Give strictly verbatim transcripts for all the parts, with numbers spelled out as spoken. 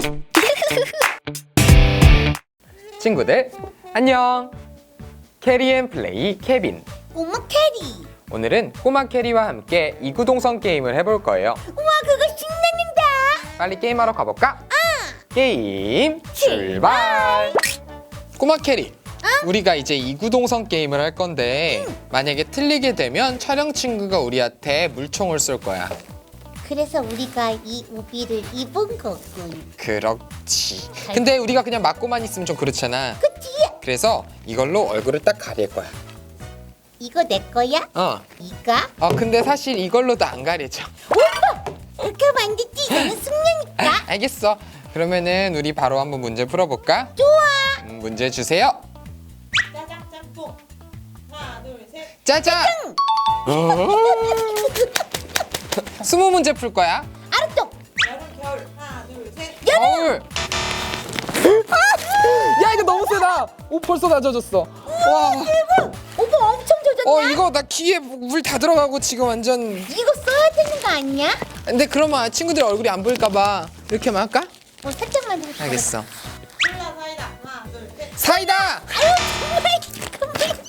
친구들 안녕. 캐리앤플레이 케빈. 꼬마 캐리. 오늘은 꼬마 캐리와 함께 이구동성 게임을 해볼 거예요. 우와, 그거 신나는다. 빨리 게임하러 가볼까? 아. 게임 출발. 꼬마 캐리, 우리가 이제 이구동성 게임을 할 건데 만약에 틀리게 되면 촬영 친구가 우리한테 물총을 쏠 거야. 그래서 우리가 이 우비를 입은 거군. 그렇지. 근데 우리가 그냥 맞고만 있으면 좀 그렇잖아. 그치? 그래서 이걸로 얼굴을 딱 가릴 거야. 이거 내 거야? 어. 이거? 어 근데 사실 이걸로도 안 가리죠. 오빠! 그렇게 하면 안 되지. 이거는 숙녀니까. 알겠어. 그러면은 우리 바로 한번 문제 풀어볼까? 좋아. 음, 문제 주세요. 짜장 짬뽕 하나 둘셋 짜잔! 어? 스무 문제 풀 거야. 알았어. 여름 겨울 하나 둘셋 겨울. 야 이거 너무 세다. 오 벌써 다 젖었어. 와. 오빠 엄청 젖었나? 어 이거 나 귀에 물 다 들어가고 지금 완전. 이거 써야 되는 거 아니야? 근데 그러면 친구들 얼굴이 안 보일까봐 이렇게만 할까? 어, 살짝만 더. 알겠어. 콜라 사이다 하나 둘셋 사이다. 아유, 정말.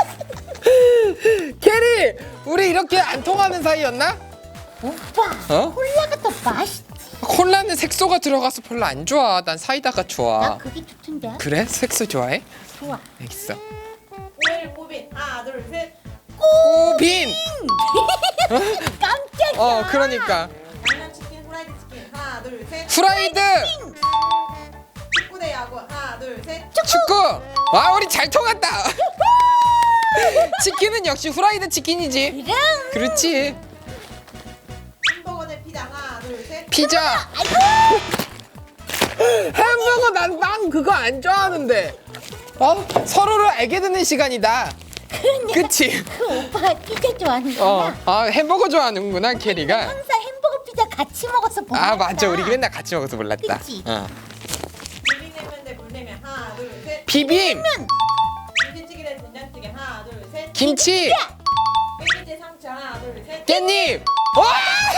캐리, 우리 이렇게 안 통하는 사이였나? 오빠, 어? 콜라가 더 맛있지. 콜라는 색소가 들어가서 별로 안 좋아. 난 사이다가 나 좋아. 그게 좋던데. 그래? 색소 좋아해? 좋아. 알겠어. 오일 꼬빈 하나 둘셋 꼬빈. 깜짝이야. 어, 그러니까 양념치킨 후라이드 치킨 하나 둘셋 프라이드. 축구 대 야구 하나 둘셋 축구. 와, 우리 잘 통한다. 치킨은 역시 후라이드 치킨이지. 그럼. 그렇지. 햄버거 대 피자 하나 둘셋 피자. 아이고. 햄버거 난 빵 그거 안 좋아하는데. 어? 서로를 알게 되는 시간이다. 그치? 그 오빠 피자 좋아하는구나. 어. 아, 햄버거 좋아하는구나, 캐리가. 항상 햄버거 피자 같이 먹어서 몰랐다. 아, 맞아. 우리 맨날 같이 먹어서 몰랐다. 그치? 어. 비빔냉면 대 물냉면 하나 둘셋 비빔. 김치찌개 대 된장찌개 하나 둘셋 김치. 깻잎 대 상추 하나 둘셋 깻잎. 와!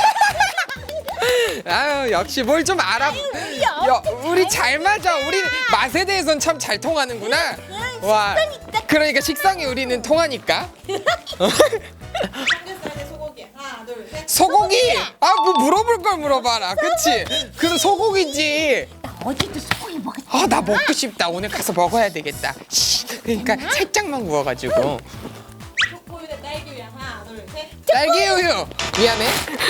아유, 역시 뭘 좀 알아. 우리 야, 엄청 우리 잘 잘 맞아. 우리 맛에 대해서는 참 잘 통하는구나. 와. 식성이 딱- 그러니까 식상이 우리는 통하니까. 삼겹살 대 소고기 하나 둘셋 소고기. 아, 뭐 물어볼 걸 물어봐라. 그치? 그럼 소고기지. 나 어제도 소고기 먹었지. 아, 나 먹고 싶다. 오늘 가서 먹어야 되겠다. 씨, 그러니까 살짝만 구워가지고. 초코우유 대 딸기우유 하나 둘셋 딸기 우유. 미안해.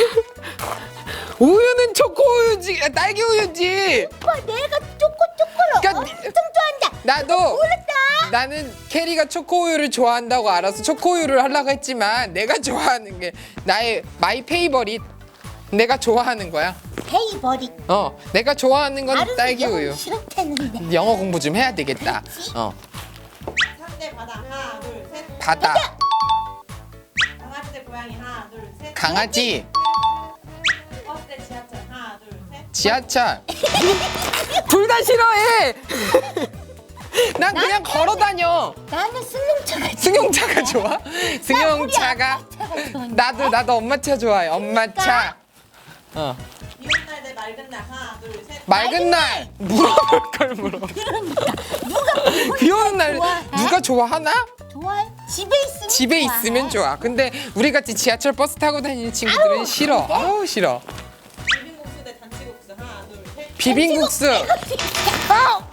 우유는 초코 우유지. 아, 딸기 우유지. 오빠 내가 초코 초코를 그러니까 엄청 좋아한다. 나도. 몰랐다. 나는 캐리가 초코우유를 좋아한다고 알아서 초코우유를 하려고 했지만 내가 좋아하는 게 나의 마이 페이버릿. 내가 좋아하는 거야. 페이버릿. 어, 내가 좋아하는 건 알아서 딸기 영어 우유. 싫었다는데. 영어 공부 좀 해야 되겠다. 그렇지. 어, 산 대 바다 하나 둘셋 바다, 강아지 대 고양이 하나 둘셋 강아지, 버스 대 지하철 하나 둘셋 지하철. 둘 다 싫어해. 난 그냥 걸어 다녀. 나는 승용차가 승용차가 좋아? 승용차가. 차가 좋은데. 나도 나도 엄마 차 좋아해. 엄마 차. 어. 비오는 날 대 맑은 날 하나 둘셋 맑은 날 물어볼 걸 물어. 그러니까 누가 비 오는 날 좋아해? 누가 좋아하나? 좋아해? 집에 있으면 집에 좋아해. 있으면 좋아. 근데 우리 같이 지하철 버스 타고 다니는 친구들은 아우, 싫어. 그래? 아우 싫어. 비빔국수 대 잔치국수 하나 둘셋 비빔국수. 아!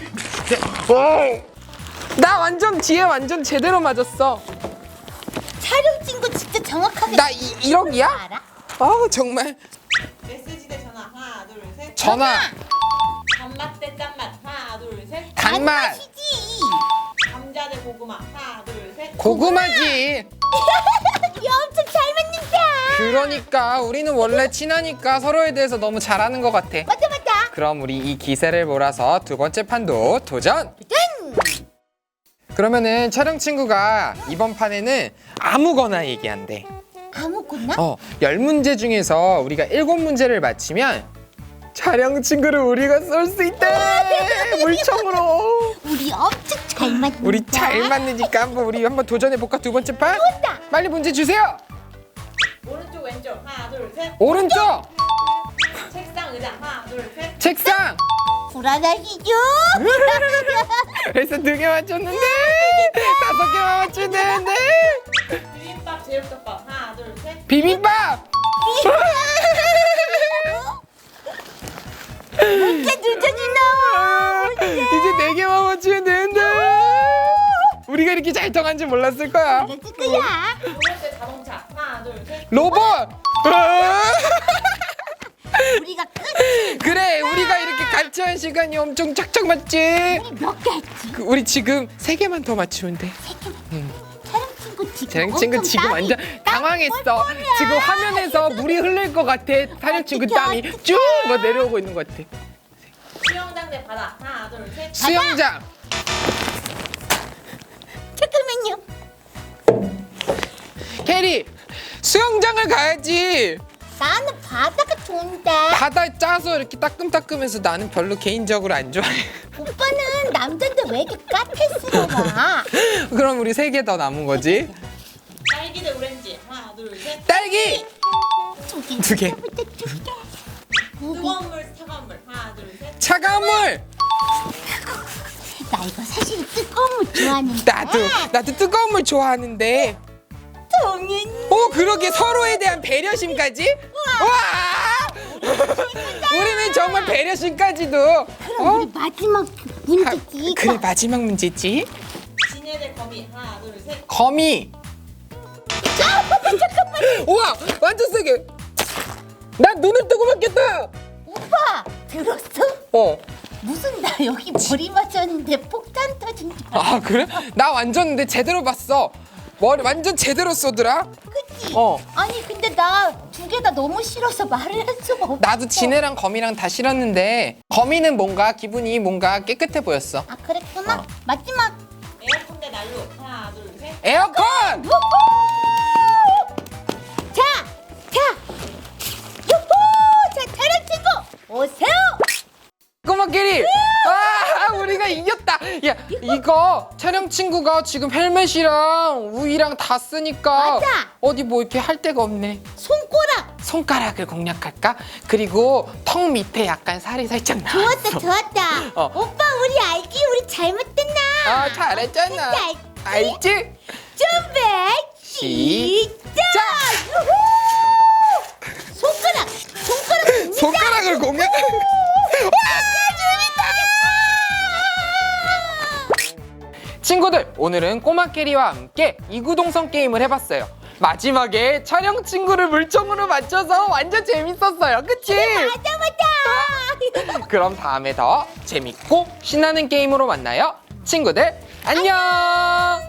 나 완전 뒤에 완전 제대로 맞았어. 촬영 친구 진짜 정확하게 나 이, 일억이야? 알아? 아우 정말. 메시지 대 전화 하나 둘셋 전화. 단맛 대 짠맛 하나 둘셋 단맛. 단맛이지. 감자 대 고구마 하나 둘셋 고구마지. 야, 엄청 잘 맞는다. 그러니까 우리는 원래 친하니까 서로에 대해서 너무 잘하는 것 같아. 맞다 맞다. 그럼 우리 이 기세를 몰아서 두 번째 판도 도전. 짠. 그러면은 촬영 친구가 이번 판에는 아무거나 얘기한대. 아무거나? 어, 열 문제 중에서 우리가 일곱 문제를 맞히면 촬영 친구를 우리가 쏠 수 있대. 물총으로. 우리 엄청 잘 맞는다. 우리 잘 맞으니까 한번 우리 한번 도전해 볼까? 두 번째 판. 좋다. 빨리 문제 주세요. 오른쪽 왼쪽 하나 둘셋 오른쪽 책상 의자 하나 둘셋 책상 불안하시죠? 그래서 두 개 맞췄는데 다섯 개 맞추면 되는데. 비빔밥 제육덮밥 하나 둘 셋. 비빔밥. 문제 늦어진다. 이제 네 개만 맞추면 되는데. 우리가 이렇게 잘 통한 줄 몰랐을 거야. 그랬을 거야. 두 번째 자동차 하나 둘 셋. 로봇. 우리가 끝. 그래, 우리가 이렇게 같이 한 시간이 엄청 착착 맞지. 우리 몇 개 했지? 그, 우리 지금 세 개만 더 맞추면 돼. 촬영 친구 지금 촬영 친구 엄청 지금 땀이- 완전 당황했어. 지금 화면에서 물이 흐를 것 같아. 촬영 친구 땀이 쭉 뭐 내려오고 있는 것 같아. 수영장 대 바다 하나 둘 셋. 수영장. 잠깐만요. 캐리, 수영장을 가야지. 나는 바다가 좋은데. 바다 짜서 이렇게 따끔따끔해서 나는 별로 개인적으로 안 좋아해. 오빠는 남잔데 왜 이렇게 까탈스러워? 그럼 우리 세 개 더 남은 거지? 딸기 대 오렌지 하나 둘 셋. 딸기. 저기 두 개. 뜨거운 물 차가운 물 하나 둘 셋. 차가운 물. 나 이거 사실 뜨거운 물 좋아하는데. 나도 나도 뜨거운 물 좋아하는데. 당연히. 어, 그러게 서로에 대한 배려심까지? 와! 우리는 정말 배려심까지도. 그럼 우리 마지막 문제지. 아, 그래, 마지막 문제지. 지네 대 거미 하나 둘 셋. 거미. 우와, 완전 세게. 나 눈을 뜨고 맞겠다. 오빠 들었어? 어. 무슨 나 여기 머리 맞았는데 폭탄 터진 줄 알았어. 아, 그래? 나 완전 근데 제대로 봤어. 머리 완전 제대로 쏘더라. 그치? 어. 아니 근데 나 두 개 다 너무 싫어서 말을 할 수가 없어. 나도 지네랑 거미랑 다 싫었는데 거미는 뭔가 기분이 뭔가 깨끗해 보였어. 아 그랬구나. 마지막. 에어컨 대 난로 하나 둘 셋. 에어컨! 우후! 자, 자, 유후! 자, 촬영 친구 오세요. 꼬마끼리! 아, 우리가 이겼다. 야, 이거 촬영 친구가 지금 헬멧이랑 우이랑 다 쓰니까 맞아. 어디 뭐 이렇게 할 데가 없네. 손가락. 손가락을 공략할까? 그리고 턱 밑에 약간 살이 살짝 나. 좋았다, 좋았다. 어. 오빠 우리 알기 우리 잘못됐나? 아, 잘했잖아. 알지? 알지? 준비 시작. 유후! 손가락, 손가락 줍니다. 손가락을 공략. 친구들, 오늘은 꼬마캐리와 함께 이구동성 게임을 해봤어요. 마지막에 촬영 친구를 물총으로 맞춰서 완전 재밌었어요. 그치? 맞아, 맞아. 그럼 다음에 더 재밌고 신나는 게임으로 만나요. 친구들, 안녕!